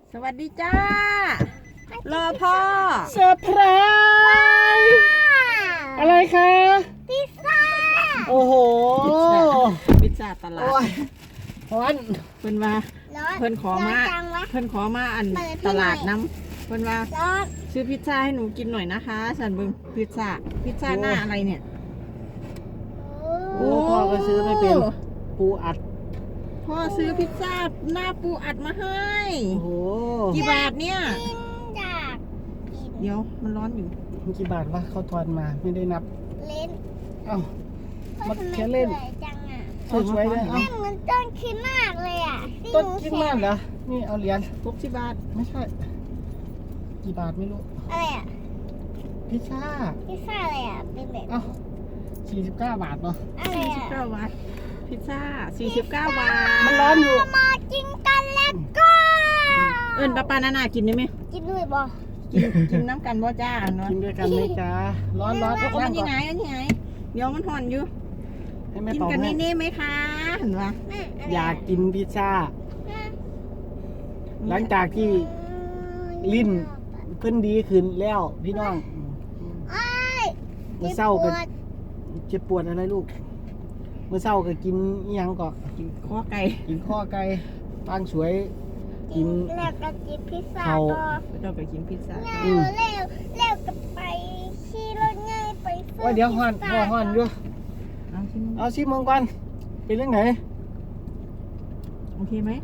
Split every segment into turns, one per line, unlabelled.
สวัสดีจ้า รอพ่อ
เซอร์ไพรส์อะไรคะ
พิซซ่า
โอ้โห
พิซซ่าตลา
โอ้
ด
ยร้อน
เพิ่นว่า
ร้อน
เพิ่นขอมา
ร้อนจังวะ
เพิ่นขอมาอัน
เปิดให้
ตลาด
หน่อย
น้ำเพิ่นว่า
ร้อน
ซื้อพิซซ่าให้หนูกินหน่อยนะคะสันเบึงพิซซ่าหน้าอะไรเนี่ย
โอ้พ่อก็ซื้อไม่เป็นปูอัด
พ่อซื้อพิซซ่าหน้าปูอัดมาให้
โอ้โห
กี่บาทเนี่ย
กินจากกิน
เดี๋ยวมันร้อนอยู่
กี่บาทวะเขาทอนมาไม่ได้นับ
เล่น
เอ้า มัน
ทำไ
แค่เล่น
สวยจังอ่ะ
สวยๆเลย
แม่
เอ้า
เหมือนต้นคริดมากเลยอ่ะที่
ต้น
ห
คิดมากเหรอนี่เอาเหรียญ
60 บาท
ไม่ใช่ กี่บาทไม่รู้
อะไรอ่ะ
พิซซ่า
พิซซ่าอะไรอ่ะเป็นแบบ
เอ้า49 บาทเนาะ
อะไรอ่ะ
49 บาทพิซซ่า49 บาท
มันร้อนอยู่
มากินกันแล้วก็
เอิ้นป้านานากินได้ไหม
กินด้วยบ่
กินน้ำกันบ่จ้าเนาะ
กินด้วยกันไหมจ๊ะร้อนร้อน
โอ้
นั่
มั
ง
น
ก่
ยั
อน
งไงอันยังไงเดี๋ยวมันห่อนอยู่
ให้แม่
กิน
เป่า
กัน
ให้
นี่ๆไหมคะเห็นปะ
แม่ะไร
อยากกินพิซซ่า
แม่
หลังจากที่ลิ้นเพิ่นดีขึ้นแล้วพี่น้อง
ไอ้ย
เมื่อเศร้าก็
ปวด
เจ็บปวดอะไรลูก เมื่อเศร้าก็กินอิหยังก็
กินข้อไก่
กินข้อไก่ปางสวย กิน
แล้วก็กินพิซซ่า
เขา
ก็
เราไปกินพิซซ่า
แล้วก็ไปขี่รถง่ายไปซื้
ว่าเดี๋ยวฮ้อน
พิซซ่า
ฮ้อนอยู่
เอาชิม
เอาชิมมึงก่อนเป็นเรื่องไหน
โอเคไหม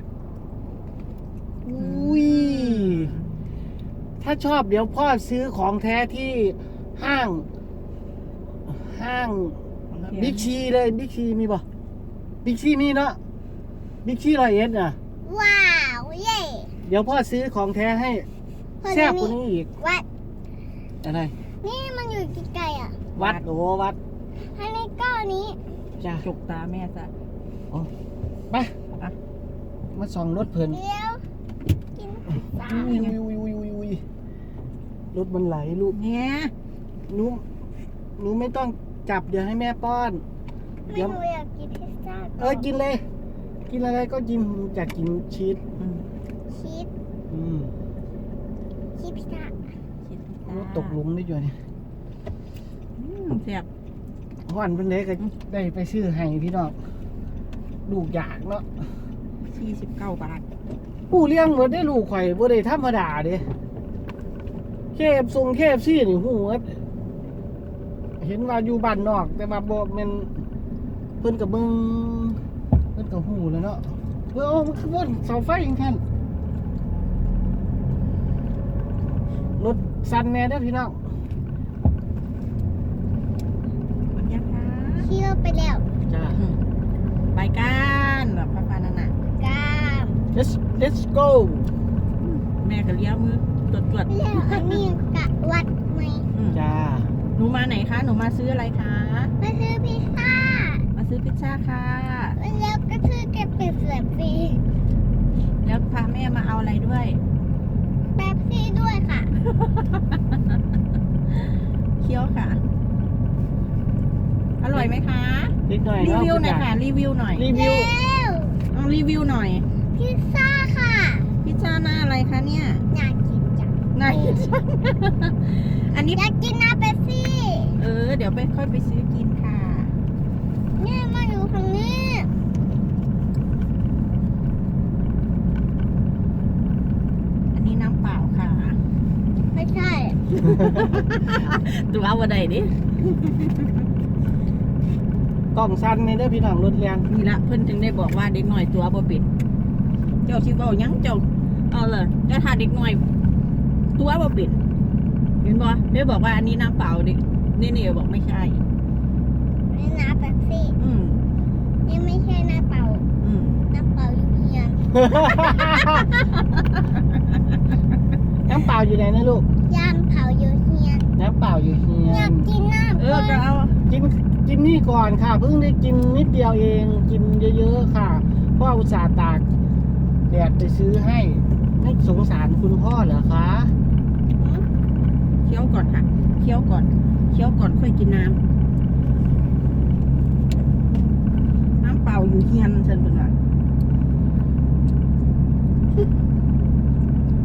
อุ้ยถ้าชอบเดี๋ยวพ่อซื้อของแท้ที่ห้าง บิ๊กซีเลยบิ๊กซีมีป่ะบิ๊กซีมีเนาะบิ๊กซี101น่ะ
ว้าวเย่
เดี๋ยวพ่อซื้อของแท้ให้แซ่บกว่านี้อีก
วัด
อะไร
นี่มันอยู่ไกลๆอ่ะ
วัดโอ้วัด
ให้ในก้อนนี้
จ้ะ
จกตาแม่ซะ
ไปมาส่องรถเพลิน
เดี๋ยวกินพิซซ่า
อุ้ยรถมันไหลลูก
เนี่ย
หนูไม่ต้องจับเดี๋ยวให้แม่ป้อน
ไม่
เดี๋ยว
หนูอยากกินพิซซ่า
กินเลย กินอะไรก็กินอยากกินชีส
ชีส
อืม
ชีสพิซซ่าร
ถตกหลุมได้อยู่เนี่ย
แซ่บ
วันเป็นเด็กก็ได้ไปซื้อให้พี่น้องลูกอยากเนาะ
49 บาท
ผู้เลี้ยงบ่ได้ลูกข่อยบ่ได้ธรรมดาเด้เคฟซี่นี่ฮู้ว่าเห็นว่าอยู่บ้านนอก แต่ว่าบ่แม่นเพิ่นก็เบิ่งเพิ่นก็ฮู้แล้วเนาะมันคือว่าเสาไฟจังซั่นรถสั่นแน่เด้อพี่น้อง
มันยังคะ
ขี่รถไปแล้ว
จ้า
ไปกันแบบป้านานา
กาม
let's go
แม่ก็เลี้ยวมือตรวจ
แล้วอันนี้กะวัดไหม
จ้า
หนูมาไหนคะหนูมาซื้ออะไรคะ
มาซื้อพิซซ่า
มาซื้อพิซซ่าค่ะ
แล้วก็ซื้อแกะเป็ดเสียบฟรี
แล้วพาแม่มาเอาอะไรด้วย
แป๊บซี่ด้วยค่ะ
เคี้ยวค่ะ อร่อยไหมคะ
นิดหน่อย
รี
เนาะ
วิวหน่อยค่ะ รีวิวหน่อย
รีวิว
แล้ว
เอารีวิวหน่อย
พิซซ่าค่ะ
พิซซ่าหน้าอะไรคะเนี่ย
อยากกินจัง
หน้าพิซซ่า อันนี้
อยากกินน้ำเป๊ปซี่
เดี๋ยวไปค่อยไปซื้อกินค่ะ
เนี่ยมาอยู่ทางนี้
อันนี้น้ำเปล่าค่ะ
ไม่ใช่
ตัวเอาอะไรดิ
กล่องสั้นในเด้อพี่น้องรถแรง
นี่ละเพิ่นถึงได้บอกว่าเด็กหน่อยตัวบ่เป็นเจ้าชิเว้าหยังเจ้าเอาเลยแต่ถ้าเด็กหน่อย ตัวบ่เป็นเห็นบ่ได้บอกว่าอันนี้น้ำเปล่าดินี่บอกไม่ใช่
นี่น้ำเป๊ปซี่
อืม
นี่ไม่ใช่น้ำเปล่า
อืม
น้ำเปล่าอยู่เฮียน
น้ำเปล่าอยู่ไหนนะลูก
ย่างเผาอยู่เฮียน
น้ำเปล่าอยู่เฮีย
อยาก
น
กินน้ำ
ก็เอา
กินนี่ก่อนค่ะ เพิ่งได้กินนิดเดียวเอง กินเยอะๆค่ะพ่ออุตส่าห์ตากแดดไปซื้อให้ไม่สงสารคุณพ่อเหรอคะ
เคี้ยวก่อนค่ะเคี้ยวก่อนค่อยกินน้ำเปล่าอยู่เฮียนเชิญเพิ่นว่า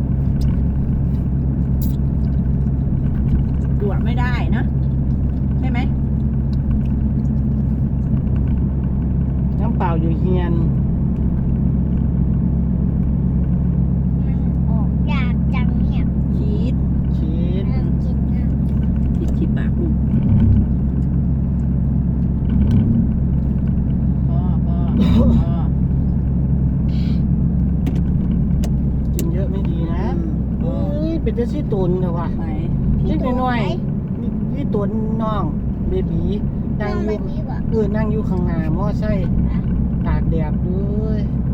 เป็นแต่ซี่ตุนแต่ว่า
ไหน
เล็กน้อยๆนี่ตัวน้องเบบีนั่งอยู่นั่งอยู่ข้างหน้ามอไซค์ตากแดดเลย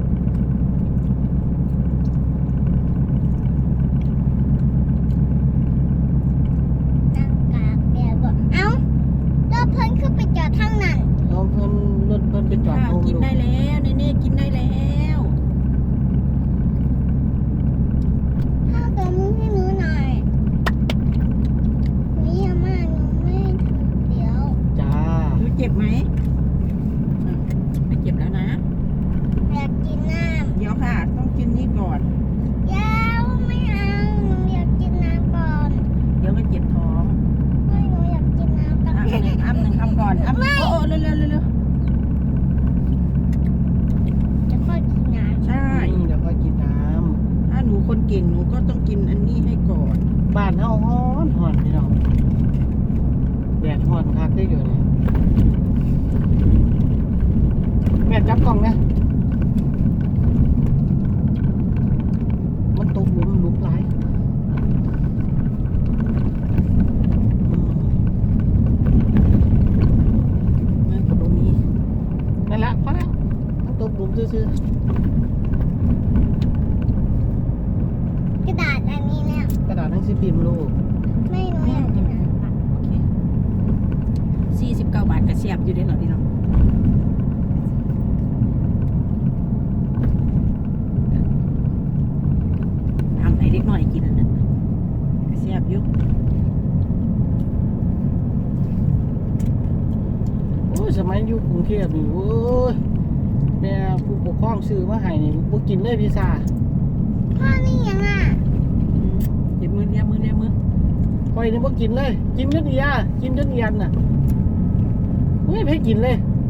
นั่งกากแดดบ่เอ้ารถเพิ่นขึ้นไปจอดทางนั้น
เอาเพิ่นรถเพิ่นไปจอด
ข้าว
โรง
กิน
ลูก
ได้แล้วเน่ๆกินได้แล้ว
ข้าวตัวมึงให้หนูหน่อยหนูยังมากหนูไม่ถึงเดี๋ยว
จ้า
หนูเจ็บไหมอ่ะไม่เจ็บแล้วนะ
อยากกินน้
เดี๋ยวค่ะ ต้องกินนี่ก่อน
ำยาวไม่เอาหนูอยากกินน้ำก่อน
เดี๋ยวก็เจ็บท้อง
ไม่หนูอยากกินน้ำก่อน
อ้ำก่อนอ้ำโอ้เร็วๆเร็ว
จะค่อยกินน้
ๆใช่
เดี๋ยวค่อยกินน้
ถ้าหนูคนเก่งหนูก็ต้องกินอันนี้ให้ก่อน
ำบ้านเฮาฮ้อนพี่น้องแดดฮ้อนคักได้อยู่นี่แม่จับกล้องนะมันตกหลุมหลาย
มันกดตรงนี้
นั่นแหละพอแล้วมันตกหลุมซื่อ
ำกระดาษอันนี้เนี่ย
ๆกระดาษหนังสือพิมพ์ลูก
ไม่หนูอยากกินน้ำก่อน
โอเค49 บาทกระเสียบอยู่ได้เหรอพี่น้องทำให้เด็กหน่อยกินอันนั้นกระเสียบอยู่
โอ้ยสมัยอยู่กรุงเทพนี่โอ้ยแม่ผู้ปกครองซื้อมาให้นี่บ่กินเลยพิซซ่า
พ่อนี่ยังอ่ะ
เดี๋ยวมือเนี่ยมือ
ข่อยนี่บ่กินเลย กินจนเอียกินจนเอียนน่ะเฮ้ยให้กินเลย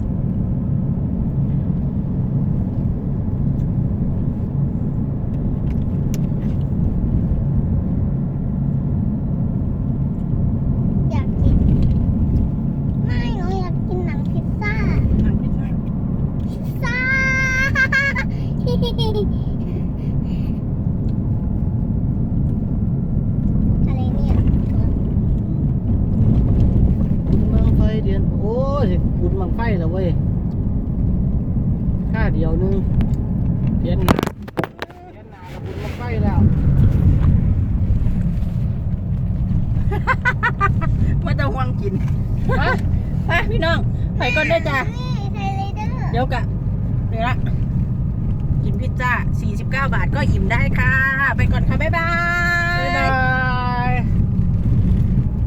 อยากกินไม่หนูอยากกินหนังพิซซ่า
นั่งพิซซ่า
พิซซ่า อะไรเนี่ย
บุญบังไฟเดือนโอ้ยบุญบังไฟแล้วเว้ยค่าเดียวนึงเดือนหน้ากับบุญบังไฟแล้ว
ไม่ต้องห่วงกิน
ฮะ
ไปพี่น้องไปก่อนได้อจ้ะ
นี่ไทยเลเดอร์
เดี๋ยวกะเดี๋ยวละกินพิซซ่า49 บาทก็อิ่มได้ค่ะ ไปก่อนค่ะ บ๊ายบา
บ๊าย
ย
บาย